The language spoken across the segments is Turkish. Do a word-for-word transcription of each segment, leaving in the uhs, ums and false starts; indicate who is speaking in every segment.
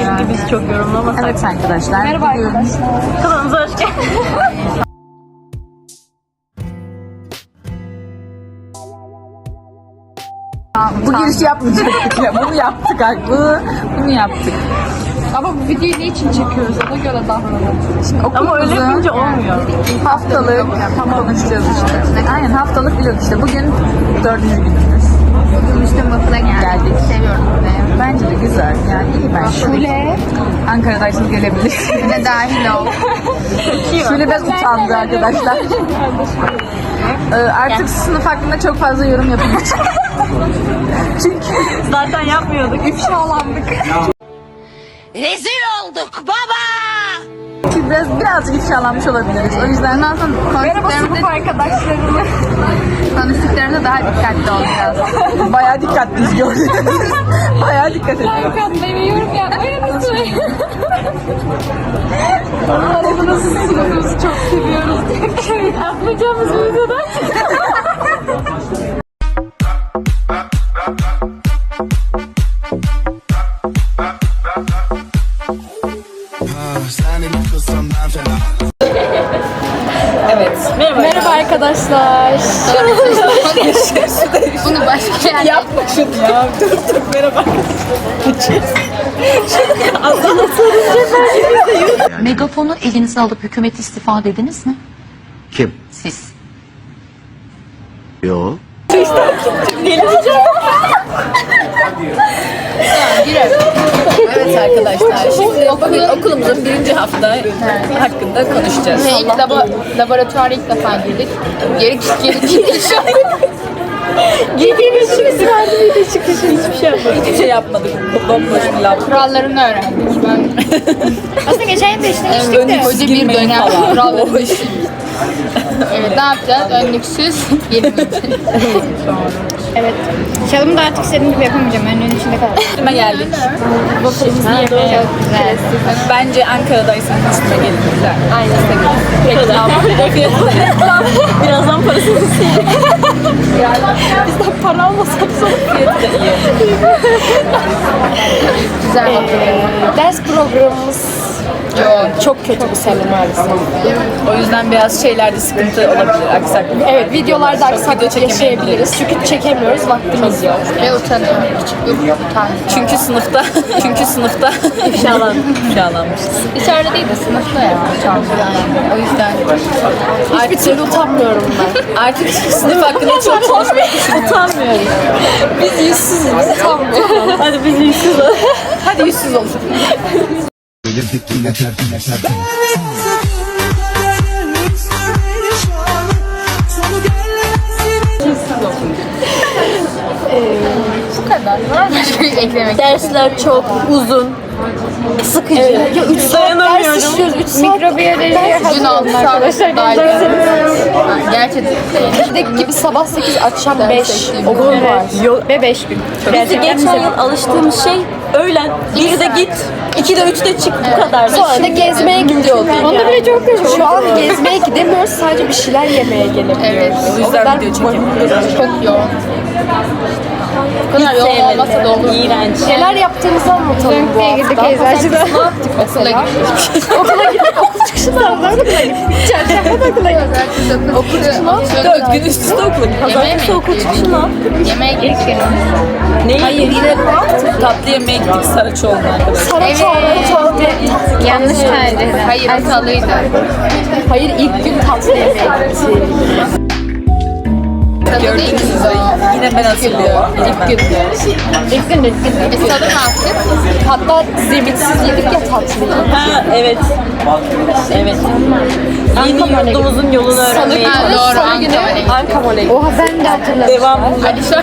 Speaker 1: Keşke biz çok yorumlamasak.
Speaker 2: Evet arkadaşlar.
Speaker 3: Merhaba arkadaşlar.
Speaker 2: Kanalımıza hoş geldiniz. Bu girişi yapmayacaktık ya. Bunu yaptık haklı. Bunu yaptık.
Speaker 3: Ama bu videoyu ne için çekiyoruz? Ona göre davranalım.
Speaker 2: Ama öyle yapınca olmuyor. Haftalık konuşacağız işte. Aynen haftalık vlog işte. Bugün dördüncü günümüz.
Speaker 3: Müslüm Batı'na geldik.
Speaker 2: Geldik.
Speaker 3: Seviyorum burayı.
Speaker 2: Bence de güzel. Yani iyi bence.
Speaker 3: Şule.
Speaker 2: Ankara'daysınız gelebilir.
Speaker 3: Ne dahil ol.
Speaker 2: Şöyle biraz utandı arkadaşlar. Ee, artık sınıf hakkında çok fazla yorum yapamayacağım. Çünkü zaten yapmıyorduk. İfşalandık.
Speaker 4: Rezil olduk baba!
Speaker 2: Çünkü biraz birazcık ifşalanmış olabiliriz. O yüzden
Speaker 3: Ondan sonra konuştuklarımızda arkadaşlarımı konuştuklarımızda daha dikkatli olacağız.
Speaker 2: bayağı dikkatliyiz gördünüz. Bayağı dikkat ediyoruz.
Speaker 3: Beni yorum yapmayı unutmayın.
Speaker 2: Arada nasılsınız? Çok seviyoruz.
Speaker 3: Evet, atlayacağımız videodan
Speaker 2: Evet. Merhaba.
Speaker 3: Merhaba arkadaşlar. Bunu başka yerde
Speaker 2: Yapma şunu ya. Dur dur merhaba.
Speaker 4: Megafonu elinize alıp hükümet istifa dediniz mi?
Speaker 5: Kim?
Speaker 4: Siz.
Speaker 5: Yo.
Speaker 6: Evet arkadaşlar, şimdi okul, okulumuzun birinci hafta hakkında konuşacağız.
Speaker 3: Ve ilk labo, laboratuvara ilk defa girdik. Geri geri geri
Speaker 6: Girdiğimiz için isimlerdi de çıkışı hiçbir şey yapmadık. Hiçbir şey yapmadık. Bomboş bir lab.
Speaker 3: kurallarını öğrendik. Ben
Speaker 6: Aslında geçen yıl da işlemiştik
Speaker 3: evet,
Speaker 6: de.
Speaker 3: hoca bir dönem kurallarını Evet, ne yapacağız? Önlüksüz girmeyeceğiz.
Speaker 6: Evet. Çalımı da artık istediğim gibi yapamayacağım. Önlüğün içinde kaldım.
Speaker 2: Üstüme geldik.
Speaker 3: Waffle'ımızı yemeye. Çok güzel.
Speaker 2: Bence Ankara'daysanız üstüme gelin. Güzel.
Speaker 3: Aynen.
Speaker 2: Reklam. Reklam. Birazdan parasını sildik. Bizden para almasak sonra fiyatı da iyi.
Speaker 3: Güzel hatırlıyorum.
Speaker 6: Ders programımız çok kötü bu sene maalesef.
Speaker 2: O yüzden biraz şeylerde sıkıntı olabilir. Aksaklık.
Speaker 6: Evet, videolarda aksaklık yaşayabiliriz. Çünkü çekemiyoruz, vaktimiz yok.
Speaker 3: Ve utanıyorum. Yok, utanıyorum.
Speaker 2: Çünkü sınıfta, çünkü sınıfta ifşalan, ifşalanmışız.
Speaker 3: İçeride değil de sınıfta ya. O yüzden
Speaker 6: Hiçbir türlü utanmıyorum ben.
Speaker 2: Artık sınıf hakkında çok konuşmayı düşünmüyorum. Utanmıyoruz. Biz yüzsüzüz. Biz utanmıyoruz. Hadi biz yüzsüz olalım. Hadi yüzsüz olalım.
Speaker 3: bu kadar. Var mı başka bir eklemek?
Speaker 6: Dersler çok uzun, sıkıcı. Evet. Ya üç saat ders işliyoruz, üç saat. Mikrobiyoloji
Speaker 3: Dün aldık arkadaşlar. Gerçekten.
Speaker 6: Gidek gibi sabah sekiz, akşam beş okul var. Ve beş gün.
Speaker 7: Bizi geçen yıl alıştığımız şey öğlen birde git, ikide üçte çık bu kadar.
Speaker 6: Sonra da gezmeye gidiyorduk. Onda bile çok kötü. Şu an gezmeye gidemiyoruz, sadece bir şeyler yemeye gelebiliyoruz.
Speaker 3: Evet.
Speaker 2: O yüzden video çekemiyoruz.
Speaker 3: Çok yoğun. Bu kadar yoğun olmasa da olur.
Speaker 7: İğrenç.
Speaker 6: Neler yaptığımızı anlatalım bu hafta.
Speaker 3: Girdik eczacıda. Ne yaptık? Okula gittik.
Speaker 6: Okula gittik, okul çıkışında da okula gittik. Çarşamba da okula gittik.
Speaker 3: Okul çıkışına
Speaker 2: Dört gün üst üste okula gittik.
Speaker 3: Pazartesi
Speaker 7: okul çıkışı ne yaptık?
Speaker 3: Yemeğe gittik.
Speaker 2: Ne? Hayır yine tatlı yemeğe gittik Saraçoğlu'na arkadaşlar.
Speaker 6: Saraçoğlu'na çorba yedik.
Speaker 3: Yanlış tercih. Hayır, hatalıydı.
Speaker 6: Hayır, ilk gün tatlı yemeğe gittik.
Speaker 2: Gördüğünüz gibi yine ben hatırlıyorum. İlk gün.
Speaker 6: İlk gün, ilk gün.
Speaker 3: Biz tadı ne yaptık?
Speaker 6: Hatta zemitsiz yedik ya tatlıyı.
Speaker 7: Ha evet. Evet. Yeni yurdumuzun yolunu öğrenmeye
Speaker 3: Ha,
Speaker 7: çalıştık.
Speaker 3: doğru.
Speaker 6: Salı günü
Speaker 3: Ankara'ya.
Speaker 6: Ankamol'e gittik. Oha ben de hatırladım.
Speaker 7: Devam.
Speaker 3: Ali Şarkı.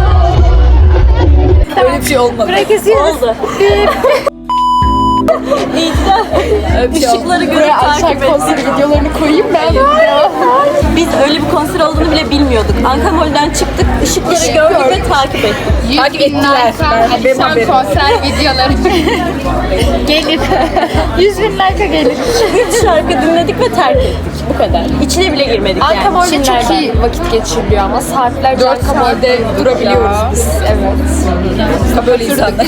Speaker 2: Öyle bir şey olmadı.
Speaker 6: Oldu.
Speaker 7: dinleyiciler ışıkları görüp
Speaker 2: Buraya aşağı
Speaker 7: takip
Speaker 2: konser
Speaker 7: etsin.
Speaker 2: videolarını koyayım ben.
Speaker 7: Biz öyle bir konser olduğunu bile bilmiyorduk. Ankamol'den çıktık, ışıkları gördük ve takip ettik.
Speaker 3: yüz bin like akşam konser videoları.
Speaker 2: Gelir. yüz bin like'a gelir.
Speaker 7: Üç şarkı dinledik ve terk ettik. Bu kadar. İçine bile girmedik yani.
Speaker 2: Ankamol'de çok iyi vakit geçiriliyor ama saatlerce Ankamol'de durabiliyoruz biz. Evet.
Speaker 6: Böyle insanlar.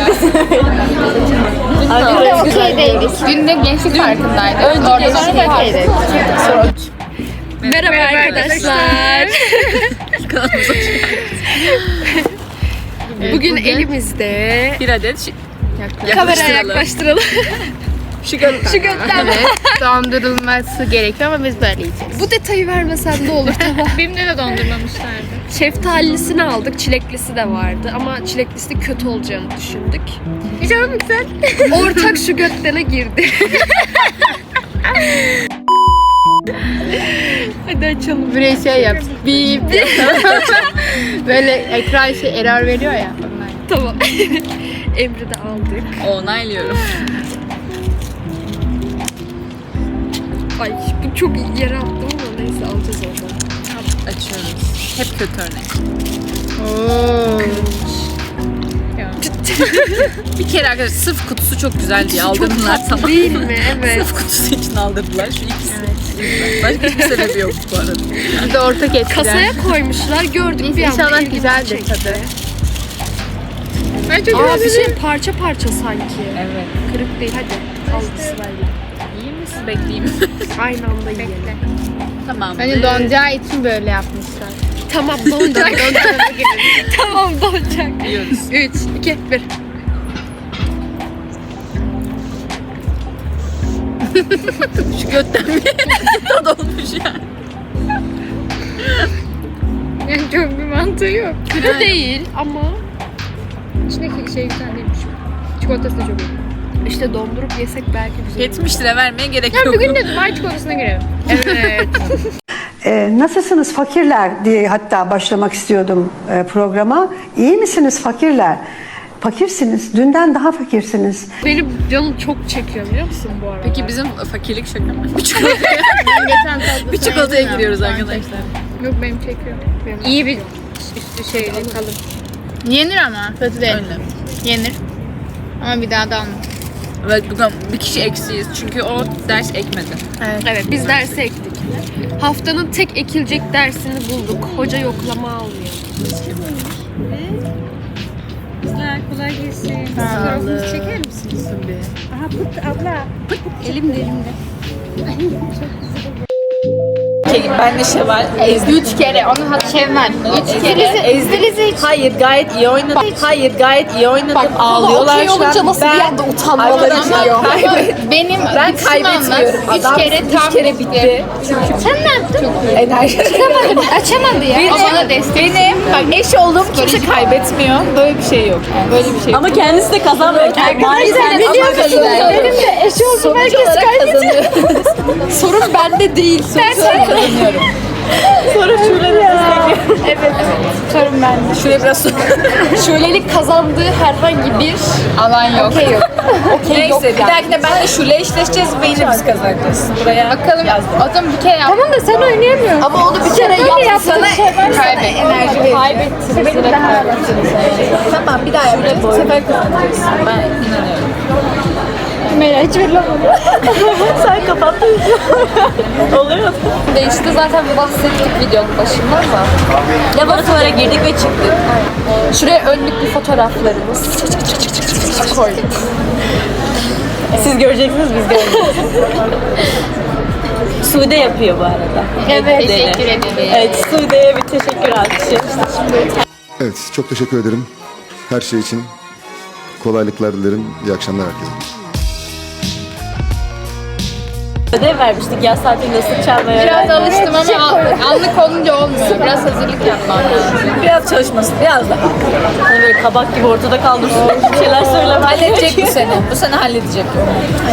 Speaker 2: Burada okeydeydik.
Speaker 3: Dün de gençlik parkındaydık.
Speaker 2: Önce
Speaker 3: Orada
Speaker 2: gençlik
Speaker 3: sonra
Speaker 2: parkındaydık.
Speaker 3: Merhaba arkadaşlar.
Speaker 2: Bugün elimizde
Speaker 6: Bir adet şi-
Speaker 2: kameraya
Speaker 6: yaklaştıralım.
Speaker 2: yaklaştıralım.
Speaker 6: Şu götten.
Speaker 2: Şu gökten.
Speaker 3: Evet, dondurulması gerekiyor ama biz böyle yiyeceğiz.
Speaker 2: Bu detayı vermesen de olur tamam.
Speaker 3: Benim de dondurmamışlardı.
Speaker 2: Şeftalisini aldık, çileklisi de vardı ama çileklisi kötü olacağını düşündük.
Speaker 3: Çok güzel.
Speaker 2: Ortak şu götlere girdi. Hadi açalım.
Speaker 3: Buraya şey yap. Bip. Böyle ekran şey error veriyor ya. Onlar.
Speaker 2: Tamam. Emri de aldık.
Speaker 6: Onaylıyorum.
Speaker 2: Ay bu çok yere attım ama neyse alacağız oradan.
Speaker 6: Açıyoruz. Hep kötü örnek.
Speaker 3: Oo.
Speaker 6: Bir kere arkadaşlar sırf kutusu çok güzel diye aldırdılar tamam.
Speaker 2: Değil mi? Evet.
Speaker 6: Sırf kutusu için aldırdılar şu ikisi. Evet. Başka hiçbir sebebi yok bu arada.
Speaker 3: Bir de ortak ettiler.
Speaker 2: Kasaya koymuşlar gördük bir anda.
Speaker 3: İnşallah
Speaker 2: ilgimizi
Speaker 3: güzeldir
Speaker 2: çekti.
Speaker 3: tadı. Ay çok
Speaker 2: Aa
Speaker 3: güzel.
Speaker 2: bir şey parça parça sanki.
Speaker 6: Evet.
Speaker 2: Kırık değil hadi. Al sırayla.
Speaker 6: İyi mi siz bekleyeyim?
Speaker 2: Aynı anda yiyelim.
Speaker 6: Tamam.
Speaker 3: Hani donacağı için böyle yapmışlar.
Speaker 2: Tamam donacak. Tamam donacak.
Speaker 6: Yiyoruz.
Speaker 2: üç, iki, bir.
Speaker 6: Şu götten bir tad olmuş yani.
Speaker 3: Yani çok bir mantığı yok.
Speaker 2: Kötü değil ama
Speaker 3: İçindeki şey güzel değilmiş. Çikolatası da çok iyi.
Speaker 2: işte dondurup yesek belki güzel olur.
Speaker 6: yetmiş lira vermeye gerek
Speaker 3: Ya
Speaker 6: yok.
Speaker 3: bugün de Dubai çikolatasına girelim.
Speaker 2: Evet.
Speaker 1: Ee, nasılsınız fakirler diye hatta başlamak istiyordum e, programa. İyi misiniz fakirler? Fakirsiniz. Dünden daha fakirsiniz.
Speaker 2: Benim canım çok çekiyor biliyor musun bu arada?
Speaker 6: Peki bizim fakirlik şaka mı? Bir çikolataya,
Speaker 3: Ben geçen tatlı
Speaker 6: bir çikolataya giriyoruz arkadaşlar.
Speaker 3: Yok benim çekiyor. İyi bir üstü şeyli kalın. Yenir ama kötü değil.
Speaker 6: Öyle.
Speaker 3: Yenir. Ama bir daha da alma.
Speaker 6: Evet bugün bir kişi eksiyiz çünkü o ders ekmedi.
Speaker 2: Evet biz dersi ektik. Haftanın tek ekilecek dersini bulduk. Hoca yoklama almıyor.
Speaker 3: Kızlar kolay gelsin. Fotoğrafınızı çeker misiniz? Aha pıt abla. Elimde elimde.
Speaker 6: Ben de Şevval.
Speaker 3: Üç kere onu hat Şevval. Üç kere. Ezdi.
Speaker 6: Hayır gayet iyi oynadım. Hayır gayet iyi oynadım.
Speaker 2: Bak ağlıyorlar okey olunca nasıl bir anda utanmaları geliyor.
Speaker 3: Ama benim ben
Speaker 6: kaybetmiyorum.
Speaker 3: Üç kere tam üç kere bitti. Sen ne yaptın?
Speaker 6: Enerji.
Speaker 3: Açamadım. Açamadı ya. O bana destek.
Speaker 6: Benim bak eş olduğum kimse kaybetmiyor. Böyle bir şey yok. Yani. Böyle bir şey yok.
Speaker 7: Ama kendisi de kazanmıyor. Maalesef
Speaker 2: Benim de eşi oldum herkes kaybediyor. Sorun bende değil.
Speaker 6: Ben kazanıyorum.
Speaker 7: sonra şöyle de
Speaker 3: Sorun bende.
Speaker 6: Şuraya biraz sonra.
Speaker 2: Şölelik kazandığı herhangi bir
Speaker 3: Alan yok.
Speaker 2: okey yok. Okey yok
Speaker 6: Neyse bir
Speaker 2: yani.
Speaker 6: dahakine benle Şule eşleşeceğiz ve yine biz kazanacağız. Buraya
Speaker 3: Bakalım. O zaman bir kere yap.
Speaker 2: Tamam da sen oynayamıyorsun. Ama onu bir kere yaptın. Sana
Speaker 3: Kaybet.
Speaker 6: enerji vereceğim.
Speaker 2: kaybettin.
Speaker 6: Tamam bir daha yapacağız. Bu sefer kazanacağız. Ben inanıyorum.
Speaker 2: Mera hiç verilemedi.
Speaker 7: sen kapattın. Oluyor.
Speaker 2: De işte zaten bahsettik videonun başında ama.
Speaker 7: Laboratuvara girdik ve çıktık.
Speaker 2: Şuraya önlüklü fotoğraflarımız koyduk.
Speaker 7: Siz göreceksiniz biz göreceğiz. Sude yapıyor bu arada.
Speaker 3: Evet. Teşekkür ederim.
Speaker 7: Evet Sude'ye bir teşekkür alkışı.
Speaker 5: Evet, çok teşekkür ederim. Her şey için kolaylıklar dilerim. İyi akşamlar herkese.
Speaker 7: Ödev vermiştik yaz tatilinde ıslık çalmaya.
Speaker 3: Biraz alıştım ama an- anlık olunca olmuyor. Biraz hazırlık yapmam lazım.
Speaker 6: Biraz çalışmasın. Biraz daha.
Speaker 7: Hani böyle kabak gibi ortada kaldırsın. Bir şeyler söylemem.
Speaker 6: Halledecek bu sene. Bu sene halledecek.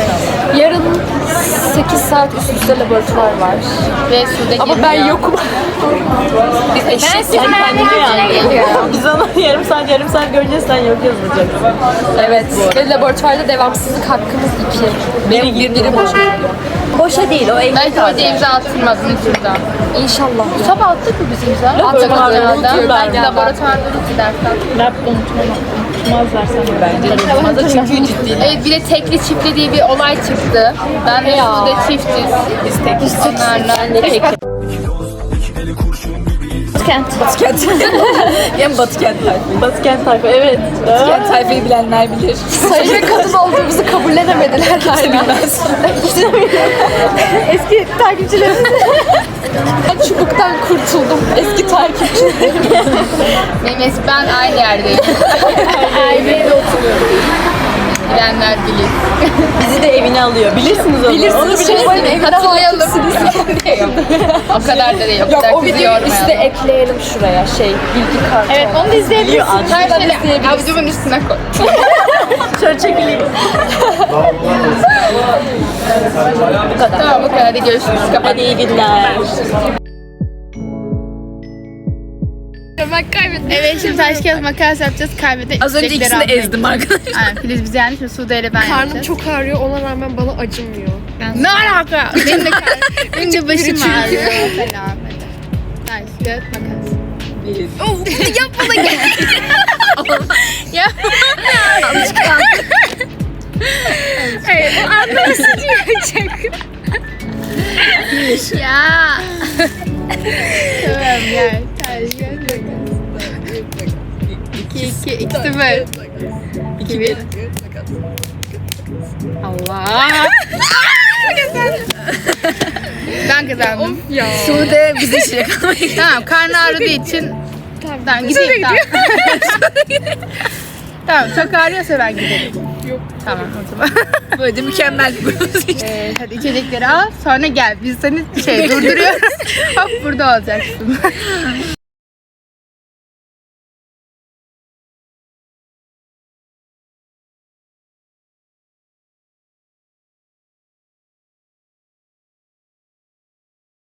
Speaker 2: Yarın sekiz saat üst üste laboratuvar var.
Speaker 3: Ve suda
Speaker 2: Ama
Speaker 3: girmiyor.
Speaker 2: ben yokum.
Speaker 7: Biz eşit sen kendine yani. Biz onu yarım saat yarım saat göreceğiz sen yok yazacaksın.
Speaker 6: Evet. Ve laboratuvarda devamsızlık hakkımız iki.
Speaker 7: Biri girdi.
Speaker 6: Biri boş.
Speaker 7: Boşa değil o eğitim
Speaker 8: Belki hoca imza attırmaz unuturdan.
Speaker 6: İnşallah.
Speaker 8: Sabah attık mı biz imza?
Speaker 7: Laboratuvarda
Speaker 8: Atamadık
Speaker 7: unutuyorlar
Speaker 8: herhalde. Belki
Speaker 7: ya.
Speaker 8: laboratuvarda unuttu dersen.
Speaker 7: Lab unutmazlar sanırım. Bence de unutmazlar çünkü ciddi.
Speaker 8: Evet bir de tekli çiftli diye bir olay çıktı. Ben ve Sude çiftiz.
Speaker 7: Biz tek
Speaker 8: Onlarla.
Speaker 7: Ben de tek.
Speaker 6: Batıkent. Hem Batıkent tayfayı.
Speaker 7: Batıkent tayfa evet.
Speaker 6: Batıkent tayfayı bilenler bilir. Sayı ve kadın olduğumuzu kabullenemediler. Kimse bilmez.
Speaker 7: Eski takipçilerimiz.
Speaker 6: Ben çubuktan kurtuldum. Eski takipçi.
Speaker 8: Benim eski ben aynı yerdeyim. Aynı yerde oturuyorum. Bilenler bilir.
Speaker 7: Bizi de evine alıyor. Bilirsiniz onu.
Speaker 6: Bilirsiniz. Şey, benim evine
Speaker 8: Hatırlayalım.
Speaker 6: hakimsiniz.
Speaker 8: O kadar da değil. O
Speaker 6: Yok
Speaker 8: kadar
Speaker 6: o
Speaker 8: bizi
Speaker 6: videoyu üste
Speaker 8: yormayalım.
Speaker 6: ekleyelim şuraya. Şey bilgi kartı.
Speaker 8: Evet onu da izleyebilirsin. Her
Speaker 6: Şuradan
Speaker 8: şeyle
Speaker 6: izleyebilirsin.
Speaker 8: avucumun üstüne koy.
Speaker 7: Şöyle çekileyim.
Speaker 8: Tamam bu kadar. Hadi görüşürüz. Kapat.
Speaker 7: Hadi iyi günler.
Speaker 8: Bak kaybettim. Evet şimdi taş kağıt makas yapacağız. Kaybede
Speaker 6: Az önce ikisini de ezdim arkadaşlar.
Speaker 8: Aynen Filiz bizi yenmiş ve Sude ile ben
Speaker 9: Karnım
Speaker 8: yapacağız.
Speaker 9: çok ağrıyor ona rağmen bana acımıyor.
Speaker 8: Ne alaka? Benim de karnım. Benim de başım ağrıyor. Falan. Taş kağıt makas. Oh, yapma da gel. Ya. Alışkanlık. Evet, bu anlaması diyecek. Ya. Tamam gel. Taş kağıt makas. iki iki iki sıfır. iki bir. Allah. Ben kazandım. Ya.
Speaker 6: Sude bizi işe kalmayı.
Speaker 8: Tamam karnı ağrıdığı için tamam gideyim tamam. Tamam çok ağrıyorsa ben giderim. Yok. Tamam o zaman.
Speaker 6: Böyle mükemmel bir
Speaker 8: Ee, hadi içecekleri al sonra gel biz seni şey durduruyoruz. Hop burada olacaksın.